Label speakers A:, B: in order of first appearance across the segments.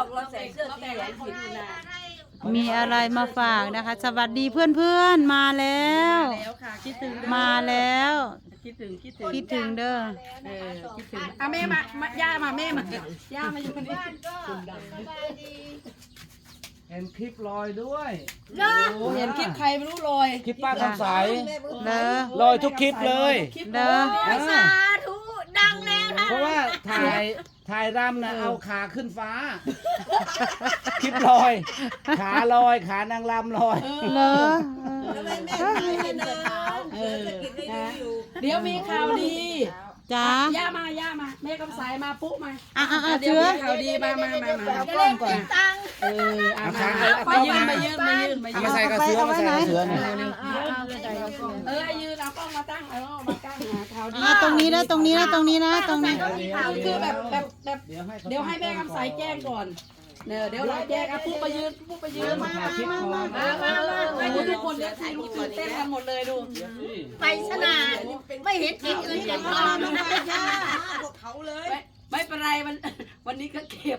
A: อกเราใส่เสื้อสีเหลืองผิดนะ
B: มีอะไรมาฝากนะคะ สวัสดีเพื่อนๆมาแล้ว
A: ค่ะคิดถึง
B: มาแล้ว
A: คิดถึง
B: คิดถึงเด้อ
A: คิดถึงอ่ะแม่มาย่ามาแม่มาย่ามาอยู่นี่
C: เห็นคลิปลอยด้วย
A: โอ้เห็นคลิปใครไม่รู้ลอย
C: คลิปป้าคำใส
B: เด้อ
C: ลอยทุกคลิปเลย
B: เด้อ
D: สาธุดังแล้วนะ
C: เพราะว่าถ่ายรำนะเอาขาขึ้นฟ้า คลิปลอย ขาลอยขานางรำลอย
B: เด้อ
A: เดี๋ยวมีข่าวดี
B: จ้า
A: ย่ามาแม่กำสายมาปุ๊มา
B: เชื้
A: เดี๋ยว
B: อ
A: มีข่าวดีมา
D: จะเล่นกินตังค์
A: เอามายืน
C: เอามาใส่กระเสือมาใส่กระเสือหน่อย
A: ยืนเอากล้องมาตั้งเอามาตั้งข่าวดี
B: ตรงนี้นะตรงนี้นะตรงนี้นะตรงนี้
A: คือแบบเดี๋ยวให้แม่กำสายแจ้งก่อนเดี๋ยวเราแจ้งปุ๊ไปยืนมาทุกคนเดี๋ยวถ่ายรูปตื่นเต้นกันหมดเลยดู
D: ไปสนานไม่เห็นกินเงินกันทองนะย่า
A: ไม่เป็นไรวันนี้ก็เก็บ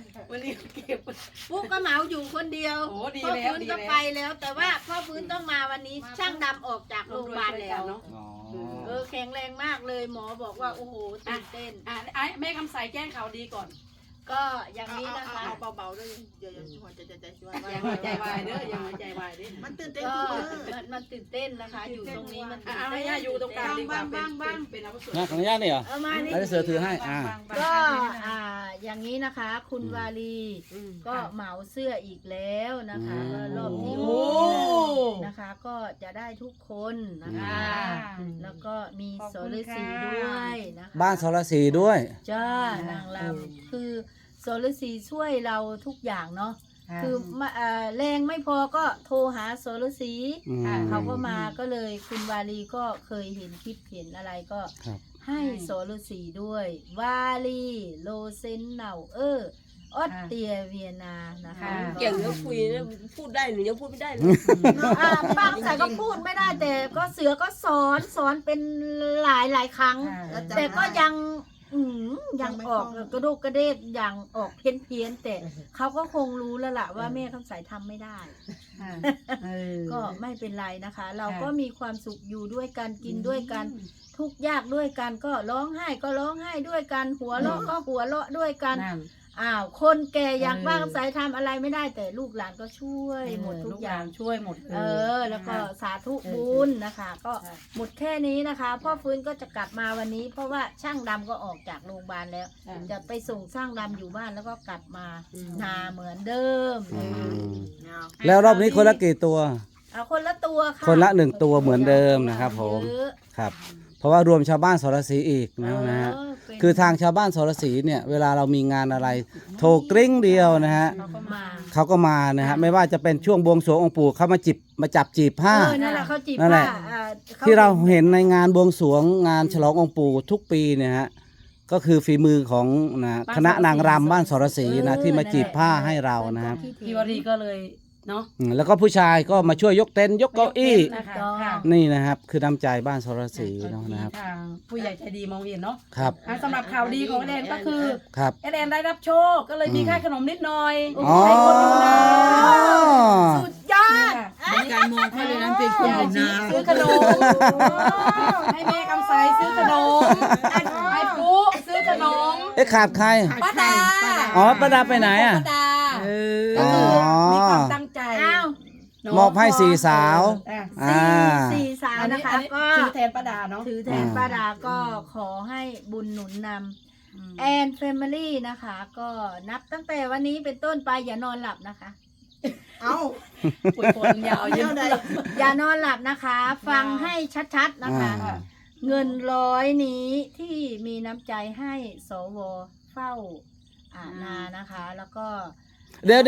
D: ปุ๊กก็เหมาอยู่คนเดียว
A: โอ้ดี
D: พ่อ
A: แล้ว
D: ฟื้น
A: ดี
D: ก็
A: แล้ว
D: ไปแล้ว แต่ว่าพ่อฟื้นต้องมาวันนี้ช่างดำออกจากโรงพยาบาลแล้ว
C: อ๋อ
D: แข็งแรงมากเลยหมอบอกว่าโอ้โหตื่นเต้น
A: ไอ้แม่คำใสแจ้งข่าวดีก่อน
D: ก็อย่างนี้นะคะ
E: เบาๆด้วยอย่าหัวใจช่วย
A: อย่าหัวใจวายเด้ออย่าหัวใจวายเด้อ
E: มันตื่นเต้น
D: ก็
E: ทุกมื้อ
D: มันตื่นเต้นนะคะ อยู่ตรงนี้มันตื่น
A: ให้
D: เต้น
A: ย่าอยู่ตรงกลางดีกว่าเป็นอาวุโส
C: นะขออนุญาตนี่เหรอ
D: เอามานี่
C: แล้วเสือถือให้
D: ก็อย่างนี้นะคะ คุณวาลีก็เหมาเสื้ออีกแล้วนะคะว่ารอบที่หกนะคะ ก็จะได้ทุกคนนะคะ แล้วก็มีโซลสีด้วยนะคะ
C: บ้านสรศรีด้วย
D: จ้านางลำคือโซลสีช่วยเราทุกอย่างเนาะคือแรงไม่พอก็โทรหาโซลสี เขาก็มาก็เลยคุณวาลีก็เคยเห็นคลิปเห็นอะไรก็
C: ครับ
D: ให้โซลสีด้วย วาลีโลเซนเนาออสเตรียเวียนานะคะ
E: เก่งแล้วคุยแล้วพูดได้หรือยังพูดไม่ได้เลย
D: บางสายก็พูดไม่ได้แต่ก็เสือก็สอนเป็นหลายครั้ง แต่ก็ยังออกกระโดกกระเดกยังออกเพี้ยนแต่เขาก็คงรู้แล้วล่ะว่าแม่คำสายทำไม่ได้ ก็ไม่เป็นไรนะคะ เราก็มีความสุขอยู่ด้วยกันกินด้วยกันทุกข์ยากด้วยกันก็ร้องไห้ก็ร้องไห้ด้วยกันหัวเราะก็หัวเราะด้วยกันคนแก่อย่างป้าคำสายทำอะไรไม่ได้แต่ลูกหลานก็ช่วยหมดทุกอย่าง
A: ช่วยหมด
D: แล้วก็สาธุบุญนะคะ ก็หมดแค่นี้นะคะพ่อฟื้นก็จะกลับมาวันนี้ เพราะว่าช่างดำก็ออกจากโรงพยาบาลแล้ว จะไปส่งช่างดำอยู่บ้านแล้วก็กลับมานาเหมือนเดิม
C: แล้วรอบนี้คนละกี่ตัว
D: เอาคนละตัวค่ะ
C: คนละ1 ตัวเหมือนเดิมนะครับผม
D: เยอะ
C: ครับ เพราะว่ารวมชาวบ้านสรศรีอีกนะฮะ
D: เป็น
C: คือทางชาวบ้านสรศรีเนี่ยเวลาเรามีงานอะไร โทรกริ้งเดียวนะฮะ
D: เขาก็มา
C: เขาก็มานะฮะไม่ว่าจะเป็นช่วงบวงสรวงองค์ปู่เขามาจับจีบผ้า
D: นั่นแหละเขาจีบ
C: นั่นแหละ
D: ผ้า
C: ที่เราเห็นในงานบวงสรวงงานฉลององค์ปู่ทุกปีเนี่ยฮะก็คือฝีมือของนะคณะนางรำบ้านสรศรีนะที่มาจีบผ้าให้เรานะครับ
A: พี่วรีก็เลยเนาะ
C: แล้วก็ผู้ชายก็มาช่วยยกเต็นท์ยกเก้าอี้
A: นะคะ
C: นี่นะครับ คือน้ำใจบ้านสรศรีเนาะนะครับ
A: ทางผู้ใหญ่ใจดีมองเห็นเนาะ
C: ครับ
A: สำหรับข่าวดีของแดนก็คือ
C: ครับ
A: แดนได้รับโชคก็เลยมีค่าขนมนิดหน่อย
C: อ๋อ
A: ให้คนอยู่นะ
D: สุดยอด
E: การมองเขาเลยนั้นเป็นคน
A: ยาย
E: อยู่
A: ชี
E: นา
A: ซื้อขนมให้แม่กำไสซื้อขนมให้ปุ๊ซื้อขนม
C: เอ๊ะขาดใคร
A: ป้าดา
C: อ๋อป้าดาไปไหนอ่ะ
A: ป้าดา
C: อ๋อ
A: มีความตั้งใจ
D: อ้าว
C: มอบให้สี่สาว
D: สี่สาวนะคะ ก็
A: ถือแทนป้าดาเนาะ
D: ถือแทนป้าดาก็ขอให้บุญหนุนนำแอนแฟมิลี่นะคะ ก็นับตั้งแต่วันนี้เป็นต้นไปอย่านอนหลับนะคะ
E: เอ้า
A: ปวดปวดยาวเยอะ
D: อย่านอนหลับนะคะ ฟังให้ชัดๆนะคะ เงิน100นี้ที่มีน้ำใจให้สวเฝ้านานะคะ แล้วก็
C: เดี๋ยว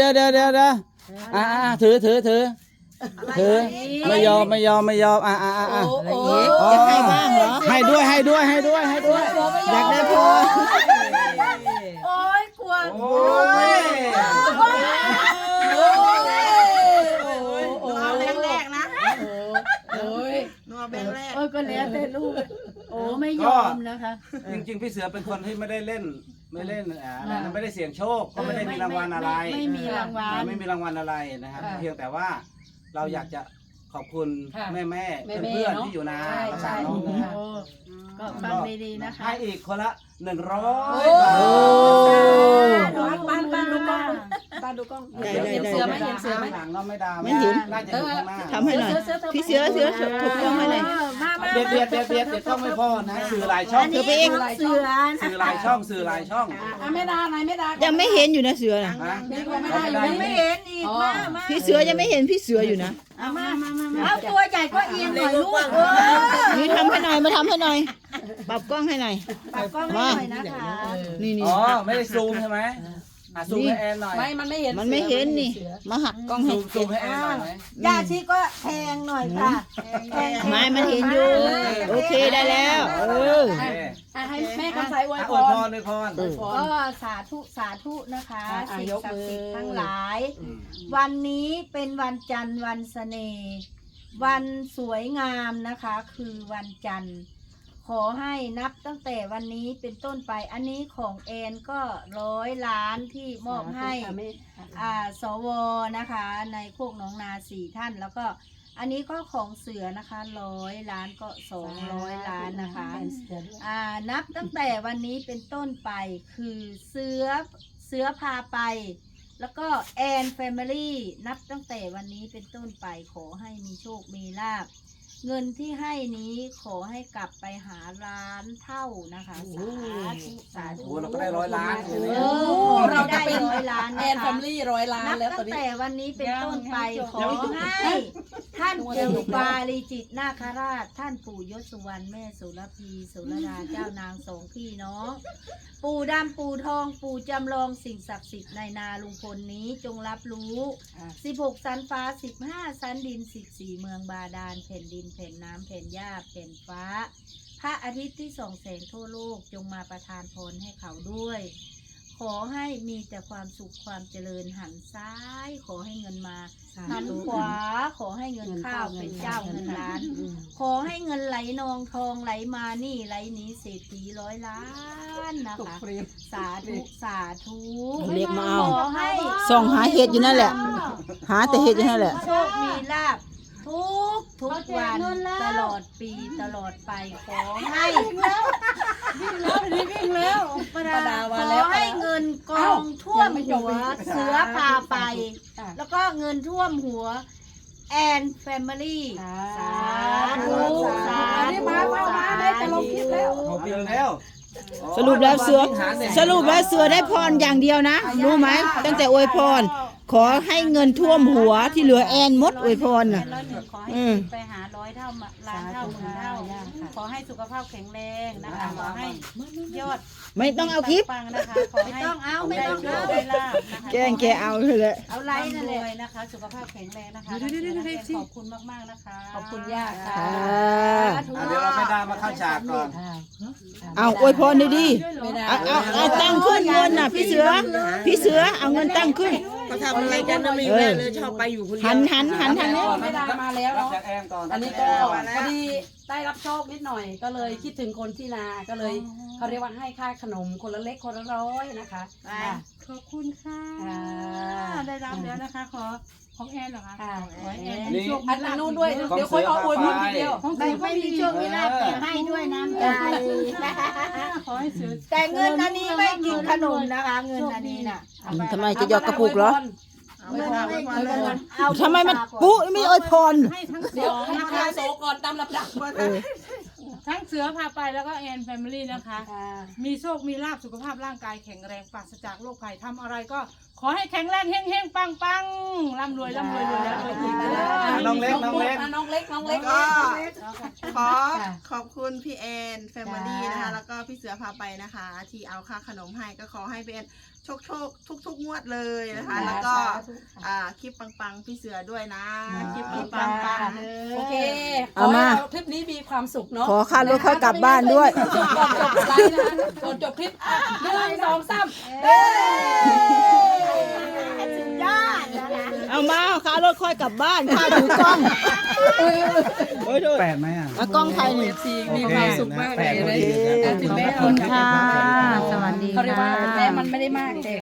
C: ถือไม่ยอม
A: โอ้
E: อะไรอย่างงี้จะให้บ้างเหรอ
C: ให้ด้วย
E: อยากได้พอ
D: โอ้ยกลัว
C: โอ้ย
E: เอาแบงค์แรกนะ
A: โอ้ย
E: นัวแบงค์แรก
D: ก็แล้วแต่ลูกโอ้ไม่ยอมนะคะ
C: จริงๆพี่เสือเป็นคนที่ไม่ได้เล่นไม่เล่นไม่ได้เสี่ยงโชคก็ไม่ได้มีรางวัลอะไร
D: ไม่มีรางวัล
C: ไม่มีรางวัลอะไรนะครับเพียงแต่ว่าเราอยากจะขอบคุณ
A: ค่ะ
C: แม่
A: แม่
C: เพื่อนๆที่อยู่นา
A: ใช่
C: น้องนะฮะ
D: ก็ฟังดีๆนะคะ
C: ให้อีกคนละ100
A: โอ้
C: บาท
A: บ้านดูกล้องบ้านดูกล้องเห็นเสือไหมเห็นเสือไหม
C: หลังน้องไม่ดา
E: ไม่เห็น
C: น่าจะอยู่ข้างหน้า
E: ทำให้หน่อย พี่เสือถูกต้องให้หน่อย
C: เบียดต้องไม่พอนะสื่อหลายช่อง
D: อันนี้
E: เธอไปเอง
D: เสือ
C: สื่อหลายช่องสื่อหลายช่อง
A: อ่ะไม่ดาไหนไม่ดา
E: ยังไม่เห็นอยู่นะเสือนะ
C: นะ
A: ไม่ได้อยู่
D: ยังไม่เห็นอีกมา
E: พี่เสือยังไม่เห็นพี่เสืออยู่นะ
D: เอาตัวใหญ่ก็เอียงหน่อยลูก
E: นี่ทำให้หน่อยมาทำให้หน่อยปรับกล้องให้หน่อย
D: ปรับกล้องให้หน่อยนะคะ
E: นี่นี่
C: อ๋อไม่ได้ซูมใช่ไหมซูมให้แอนหน่อย
A: ไม่มันไม่เห็น
E: มันไม่เห็นนี่มาหักกล้องให้
C: ซูมให้แอนหน่อยไหม
D: ยาชีก็แทงหน่อยค่ะแทง
E: ไม่มันเห็นอยู่โอเคได้แล้ว
A: ให้แม่คำใสอวยพ
C: อวยพ
A: ร
C: รอวยพร
D: ก็สาธุสาธุนะคะ
A: อ่ะ
D: สิ่ง
A: ยก
D: ศัก
A: มือ
D: ดิ์สิทธิ์ทั้งหลาย วันนี้เป็นวันจันทร์วันเสน่ห์วันสวยงามนะคะ คือวันจันทร์ ขอให้นับตั้งแต่วันนี้เป็นต้นไปอันนี้ของแอนก็100 ล้านที่มอบให้สวนะคะ ในโคกหนองนา4 ท่าน แล้วก็อันนี้ก็ของเสือนะคะ100 ล้านก็200 ล้านนะคะนับตั้งแต่วันนี้เป็นต้นไปคือเสือพาไป แล้วก็แอนแฟมิลี่นับตั้งแต่วันนี้เป็นต้นไปขอให้มีโชคมีลาภเงินที่ให้นี้ขอให้กลับไปหาล้านเท่านะคะสาธุสาธุ
C: โอ้เราก็ได้100 ล้าน
A: เราจะเป็น
D: 100 ล้าน
A: แอ
D: นะ
A: นแฟ
D: คะ
A: มิลี่100 ล้าน
D: นับ
A: แล้วตอ
D: ตั้
A: น
D: ง
A: นี้
D: แต่วันนี้เป็นต้นไปขอให้ท่านปู่ปาลีจิตนาคราช ท่านปู่ยศสุวรรณแม่สุรพีสุรดาเจ้านางสองพี่น้อง ปู่ดำปู่ทองปู่จำลองสิ่งศักดิ์สิทธิ์ในนาลุงพลนี้จงรับรู้16 สันฟ้า15 สันดิน14 เมืองบาดาลแผ่นดินแผ่นน้ำแผ่นหญ้าแผ่นฟ้า พระอาทิตย์ที่ส่องแสงทั่วโลกจงมาประทานพรให้เขาด้วย ขอให้มีแต่ความสุขความเจริญหันซ้าย ขอให้เงินมาหันขวา ขอให้เงินเข้าวเป็นเจ้าเงินล้าน ขอให้เงินไหลนองทองไหลมานี่ไหลหนีเศรษฐี100 ล้านนะคะ สาธุสาธุ
E: เรียกมาเอา
D: ขอให้
E: ส่องหาเห็ดอยู่นั่นแหละ หาแต่เห็ดอยู่นั่นแหละ
D: โชคมีลาภทุกวันตลอดปีตลอดไปขอให้
A: ประดา
D: ข
A: มา
D: อ
A: แล้ว
D: ให้เงินกองท่วมหัวเสือพาไป แล้วก็เงินท่วมหัวแอนแฟมิลี่สาธุสา
A: อันนี้
D: ธุ
A: มาแม่จะลงคลิปแล้ว
C: ขอบคุณแล้ว
E: สรุปแล้วเสือได้พรอย่างเดียวนะรู้ไหมตั้งแต่อวยพร ขอให้เงินท่วมหัวที่เหลือแอนมดอวยพรน่ะ
D: ขอให้ไปหา100 เท่าล้านเท่าหมื่นเท่าขอให้สุขภาพแข็งแรงนะคะขอให้ยอด
E: ไม่ต้องเอาคลิป
D: ปังนะคะขอให้ไม่ต้องเอาได้ลาบนะคะ
E: แกล้งแกเอาเลยแหละ
D: เอาไลน์นั่นเลยนะคะ สุขภาพแข็งแรงนะคะขอบคุณมากๆนะคะ
A: ขอบคุณย่าค่ะ
C: เดี๋ยวเราไม่ดามาเข้าฉากก่อน
E: เอาอวยพรดี
A: ไม่ได้
E: ๆเอาตั้งขึ้นเงินน่ะพี่เสือเอาเงินตั้งขึ้น
F: เขาทำอะไรกันนะมีแม่เลยชอบไปอยู่คนเดียว
E: หันทางนี้
A: ไม่ได้มาแล้ว
C: รับ
A: เนาะ
C: จากแอนก่อน
A: อันนี้ก็พอดีได้รับโชคนิดหน่อยก็เลยคิดถึงคนที่นาก็เลยเขาเรียกว่าให้ค่าขนมคนละเล็กคนละ100นะคะค่ะ
G: ขอบคุณค่ะ ได้รับแล้วนะคะ ของแอนเหรอคะ
A: ค่ะ
G: ขอให้แอน
C: นี่
A: อันนู้นด้วยเดี๋ยวค่อยเอาอวยพรทีเดียว
G: ของ
D: ไม่
G: เสือก็
D: ไม่มีโชคมีลาภแต่ให้ด้วยน้ำใจ
G: ขอให้เสือ
D: แต่เงินอันนี้ไม่กินขนมนะคะ เงินอันนี้น่ะ
E: ทำไมจะหยอดกระปุกเหรอ
D: เงินไม่กินขนมเอา
E: ทำไมมันปุ๊ไม่อวยพร
G: ให้ทั้ง
A: เดี๋ยวให้พาโซก่อนตามลำดับ
G: ทั้งเสือพาไปแล้วก็แอนแฟมิลี่นะคะ มีโชค มีลาภสุขภาพร่างกายแข็งแรงปราศจากโรคภัยทำอะไรก็ขอให้แข็งแรงเฮงๆปังๆร่ำรวยรวยแล้วรวยอีก
C: น้องเล็ก
A: น้องเล็ก
F: ก็ขอขอบคุณพี่แอนแฟมิลี่นะคะ แล้วก็พี่เสือพาไปนะคะ ที่เอาค่าขนมให้ก็ขอให้พี่แอนโชคทุกงวดเลยนะคะ แล้วก็คลิปปังๆพี่เสือด้วยนะคลิปปังๆเลย
A: โอเค
E: เอามา
A: คลิปนี้มีความสุขเนาะ
E: ขอค่ารถค่อยกลับบ้านด้วย
A: ก่อนจบไลฟ์นะก่อนจบคลิป1 2 3
D: สุดยอดนะคะ
E: เอามาค่ารถค่อยกลับบ้านค่าถือกล้อง
A: เ
C: แปดไหมอ่ะ
E: เอากล้องไทยหนึ่ง
A: มีความสุขมากเลย
C: โอเค
A: ถึงแม้
B: ขอบคุณค่ะ สวัสดี
A: เขาเรียกว่า
B: ค่ะ
A: แม้มันไม่ได้มากแต่